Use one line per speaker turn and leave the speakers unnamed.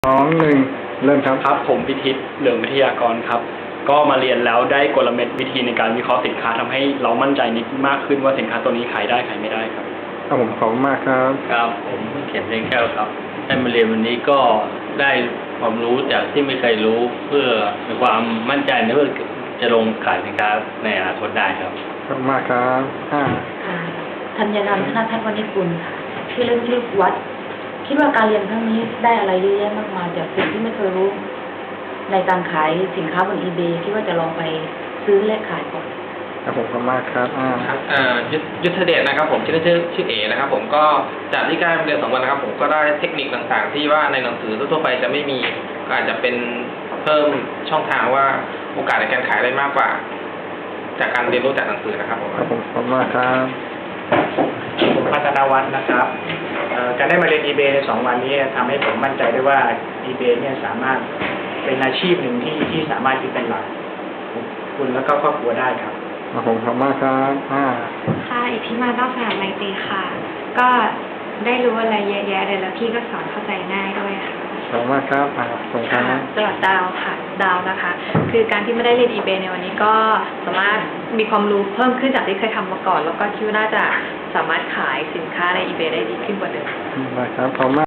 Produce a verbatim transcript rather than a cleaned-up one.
สองหนึ่งเริ่มครับ
ครับผมพิทิศเหลืองวิทยากรครับก็มาเรียนแล้วได้กลเม็ดวิธีในการวิเคราะห์สินค้าทำให้เรามั่นใจนิดมากขึ้นว่าสินค้าตัวนี้ขายได้ขายไม่ได้ครับ
ครับผมขอบคุณมากครับ
ครับผมเขียนเพลงแก้วครับได้มาเรียนวันนี้ก็ได้ความรู้จากที่ไม่เคยรู้เพื่อมีความมั่นใจในเพื่อจะลงขายสินค้าในอนาคตได้ครับ
ขอบคุณมากครับห้า
ค่ะธัญรัตน์ธนทัศน์วณิชกุลค่ะชื่อเล่นชื่อวัดคิดว่าการเรียนครั้งนี้ได้อะไรเยอะแยะมากมายจากสิ่งที่ไม่เคยรู้ ในการขายสินค้าบน อีเบย์ คิดว่าจะลองไปซื้อและขายก่อน
ครับผมขอบคุณมากครับอ่า
ครับยุทธเดชนะครับผมชื่อชื่อชื่อเอนะครับผมก็จากที่การเรียนสองวันนะครับผมก็ได้เทคนิคต่างๆ ที่ว่าในหนังสือทั่วไปจะไม่มีก็อาจจะเป็นเพิ่มช่องทางว่าโอกาสในการขายได้มากกว่า จากการเรียนรู้จากหนังสือนะครับผม
ครับผมขอบคุณมากครับ
ผมพัฒนาวัฒน์นะครับการได้มาเรียน อีเบย์ ในสองวันนี้ทำให้ผมมั่นใจได้ว่า อีเบย์ เนี่ยสามารถเป็นอาชีพหนึ่งที่ที่สามารถที่เป็นหลักคุณแล้วก็ครอบครัวได้ครับ
ครับผมขอบคุณมากครับห้า
ค่ะอิทธิมาต้องสนามไมตรีค่ะ ก็ได้รู้อะไรเยอะแยะเลยแล้วพี่ก็สอนเข้าใจง่ายด้วยค่ะ
ขอบคุณมากครับอ่าส่งครับ
สวัสดีดาวค่ะดาวนะคะ คือการที่ไม่ได้เรียน อีเบย์ ในวันนี้ก็สามารถมีความรู้เพิ่มขึ้นจากที่เคยทำมาก่อน แล้วก็คิดว่าน่าจะสามารถขายสินค้าใน อีเบย์ ได้ดีขึ้นกว่าเดิม
ได้ครับขอบคุณมาก